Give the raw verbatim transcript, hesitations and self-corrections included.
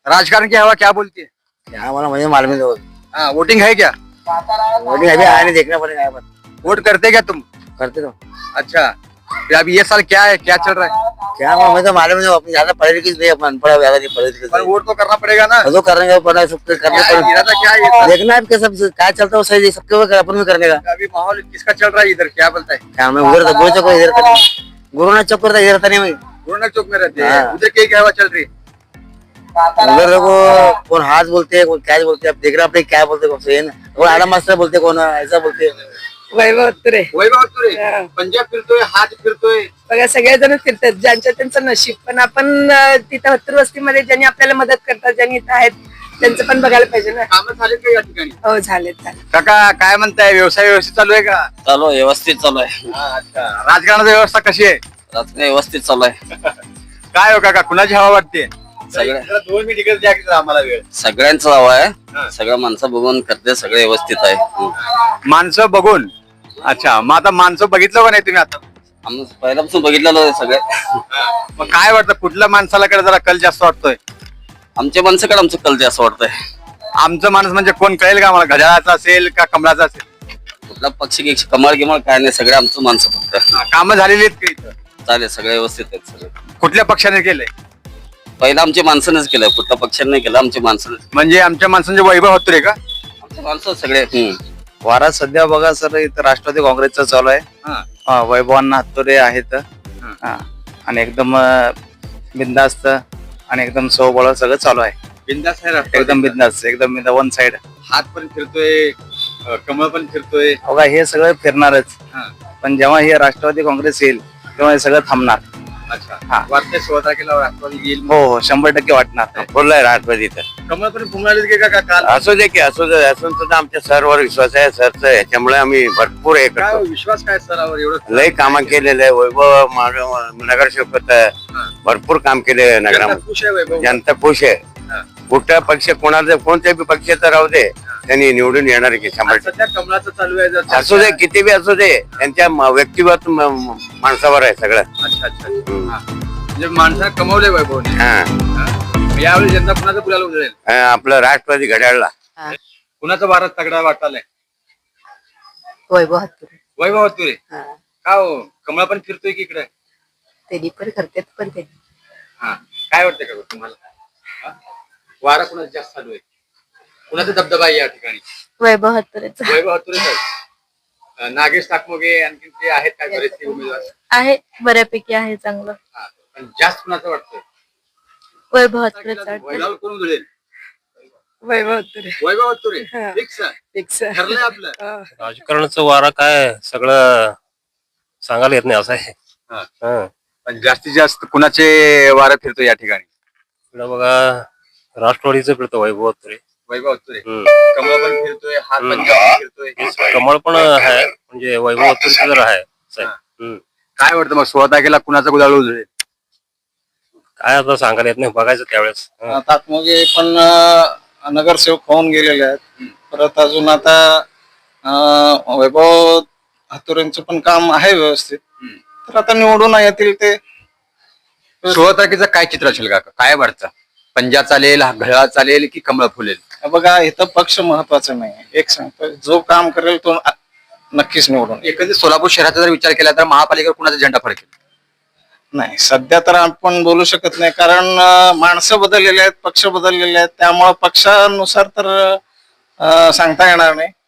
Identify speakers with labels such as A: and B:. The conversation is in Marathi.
A: राजकारण की हवा क्या बोलती है?
B: क्या वाला मुझे मालूम नहीं होता।
A: हाँ, वोटिंग है क्या?
B: वोटिंग अभी आया नहीं, देखना पड़ेगा।
A: वोट करते क्या तुम?
B: करते तो
A: अच्छा, फिर अब ये साल क्या है, क्या चल रहा है?
B: क्या वाला मुझे मालूम नहीं, अपनी ज्यादा पढ़े लिखी नहीं, अपन अनपढ़ ज्यादा नहीं पढ़े लिखे
A: पर वोट तो करना पड़ेगा ना।
B: तो करने पड़ा, सब करने
A: क्या है,
B: पड़ेगा।
A: इरादा क्या है ये साल?
B: देखना है कि सब क्या चलता है, वो सही सबके वो अपन में करने का।
A: अभी माहौल किसका चल रहा है इधर, क्या बोलता है?
B: क्या मैं उधर गुरु चौक इधर था, गुरु नानक चौक पर इधर था नहीं, मैं
A: गुरु नानक चौक में रहते हैं,
B: हाँ।
A: उधर क्या क्या हवा चल रही है?
B: उधर देखो कौन हाथ बोलते हैं, कौन क्या बोलते हैं, आप देख रहे अपने क्या बोलते हैं, सही है ना। कौन आडम मास्टर बोलते, कौन ऐसा बोलते।
C: वैभव तुरे
A: वैभव तुरे पंजाब फिरतोय, हात फिरतोय.
C: बघा सगळेजण फिरतात, ज्यांचं त्यांचं नशीब. पण आपण अं, तिथं हत्तर वस्तीमध्ये ज्यांनी आपल्याला मदत करतात, ज्यांनी इथं आहेत त्यांचं पण बघायला पाहिजे ना.
A: कामं झालीत का या ठिकाणी?
C: हो झालेत झाले.
A: काका काय म्हणताय, व्यवसाय व्यवस्थित चालू आहे का?
D: चालू आहे, व्यवस्थित चालू आहे.
A: अच्छा, राजकारणाची व्यवस्था कशी आहे?
D: राजकारण व्यवस्थित चालू आहे.
A: काय हो काका, कुणाची हवा वाटते?
D: सगळ्या
A: जरा दोन मिनिट इकडे द्या की जरा आम्हाला वेळ.
D: सगळ्यांचं हवं
A: हा.
D: आहे. सगळं माणसं बघून करते, सगळे व्यवस्थित आहे. हं.
A: माणसं बघून. अच्छा, मग आता माणसं बघितलं का नाही तुम्ही आता?
D: आम्ही पहिल्यापासून बघितलेलं आहे सगळे.
A: मग काय वाटतं, कुठल्या माणसाला कडे जरा कल जास्त वाटतोय?
D: आमच्या माणसाकडे आमचं कल जास्त वाटतंय.
A: आमचं माणूस म्हणजे कोण कळेल का आम्हाला, घड्याळाचा असेल का कमळाचा असेल?
D: कुठला पक्ष की कमळ गिमळ काय नाही, सगळे आमचं माणसं फक्त.
A: कामं झालेली आहेत का इथं?
D: चालेल, सगळे व्यवस्थित आहेत सगळे.
A: कुठल्या पक्षाने केलंय?
D: पहिलं आमच्या माणसानेच केलं, कुठल्या पक्षाने नाही केलं, आमच्या माणसानेच.
A: म्हणजे आमच्या माणसांचे वैभव होतो का?
D: आमच्या माणसं सगळे. हं.
E: वारा सध्या बघा सर, इथं राष्ट्रवादी काँग्रेसचं चालू आहे. हा, वैभवांना हातोरे आहेत. हा, आणि एकदम अं, बिनधास्त आणि एकदम सोबळ सगळं चालू आहे.
A: बिंदास आहे राष्ट्रवादी.
E: एकदम बिनधास्त, एकदम वन साइड.
A: हात पण फिरतोय, अं, कमळ पण फिरतोय.
E: बघा हे सगळं फिरणारच,
A: हा.
E: पण जेव्हा हे राष्ट्रवादी काँग्रेस येईल तेव्हा हे सगळं थांबणार.
A: अच्छा,
E: हा.
A: वाटतंय सोळा तारखेला राष्ट्रवादी येईल.
E: हो हो, शंभर टक्के वाटणार.
B: बोललाय राष्ट्रवादी तर
A: कमळ पण फुंगळाले की का काल?
B: असू दे की असू दे, असून सुद्धा आमच्या सरवर विश्वास आहे. सरचं याच्यामुळे आम्ही भरपूर हे
A: काय हो,
B: करतो.
A: विश्वास काय सरावर एवढं?
B: लय कामं केलेलं आहे. वैभव माग- नगरसेवक होतं, भरपूर काम केले
A: जनता
B: नगरामध्ये.
A: खुश आहे वैभव.
B: जनता खुश आहे.
A: हा.
B: कुठला पक्ष कोणाचा, कोणत्याही पक्षाचा राहू दे, त्यांनी निवडून येणार की शंभर
A: आज सध्या कमळाचं चालू आहे जर
B: टक्के. असू दे, किती बी असू दे, त्यांच्या म- व्यक्तिगत म- म- माणसावर आहे सगळं.
A: अच्छा अच्छा. हा. म्हणजे माणसाला कमवले वैभवने.
B: हा.
A: हा. यावेळी जनता कुणाचं गुलाल उधळेल?
B: हा, आपलं राष्ट्रवादी घड्याळला.
A: कुणाचं भारत तगडा वाटायलाय?
C: वैभव तुरे
A: वैभव तुरे. का हो, कमळ पण फिरतोय की इकडे?
C: त्यांनी पण करतात, पण त्यांनी
A: हा. काय वाटतंय का तुम्हाला? हा? वारा कुणाचा जास्त चालू आहे? कुणाचा दबदबा आहे या ठिकाणी?
C: वैभव तुरेच
A: वैभव तुरे साहेब, नागेश ताकमोगे आणखी ते आहेत काय बरेचसे उमेदवार?
C: आहे, बऱ्यापैकी आहे चांगलं.
A: हा. पण जास्त कुणाचं वाटतं?
C: वैभव
A: वैभव कोण उधळेल?
C: वैभव तुरे
A: वैभव तुरे.
C: हा.
A: फिक्स आहे.
C: फिक्स
A: ठरलंय आपलं.
F: राजकारणाचं वारा काय सगळं सांगायला येत नाही असं आहे.
A: हा.
F: हं.
A: पण जास्तीत जास्त कुणाचे वारा फिरतो या ठिकाणी?
F: इकडं बघा राष्ट्रवादीचं फिरतो वैभव तुरे.
A: वैभव तुरे.
F: हं.
A: कमळ पण फिरतोय, हात पण
F: हम्म.
A: जास्त फिरतोय.
F: कमळ पण आहे, म्हणजे वैभव तुरेचं जर आहे साहेब. हं.
A: काय वाटतं मग सोळा तारखेला कुणाचा गुलाल उधळेल?
F: काय आता सांगायला येत नाही, बघायचं त्यावेळेस. हं.
G: ताकमोगे पण अं, नगरसेवक होऊन गेलेले आहेत. परत अजून आता अं, वैभव हातुरेंचं पण काम आहे व्यवस्थित. तर आता निवडून येतील ते.
A: सोळा तारखेचं काय चित्र असेल का? काय वाटतं? पंजा चालेल, घड्याळ चालेल की कमळ फुलेल?
G: बघा इथं पक्ष महत्वाचा नाही, एक सांगतो, जो काम करेल तो आ- नक्कीच निवडून येईल.
A: एकंदरीत सोलापूर शहराचा जर विचार केला तर महापालिकेवर कुणाचा झेंडा फडकेल?
G: नाही सध्या तर आपण बोलू शकत नाही, कारण अं, माणसं बदललेले आहेत, पक्ष बदललेले आहेत. त्यामुळे पक्षानुसार तर अं, सांगता येणार नाही.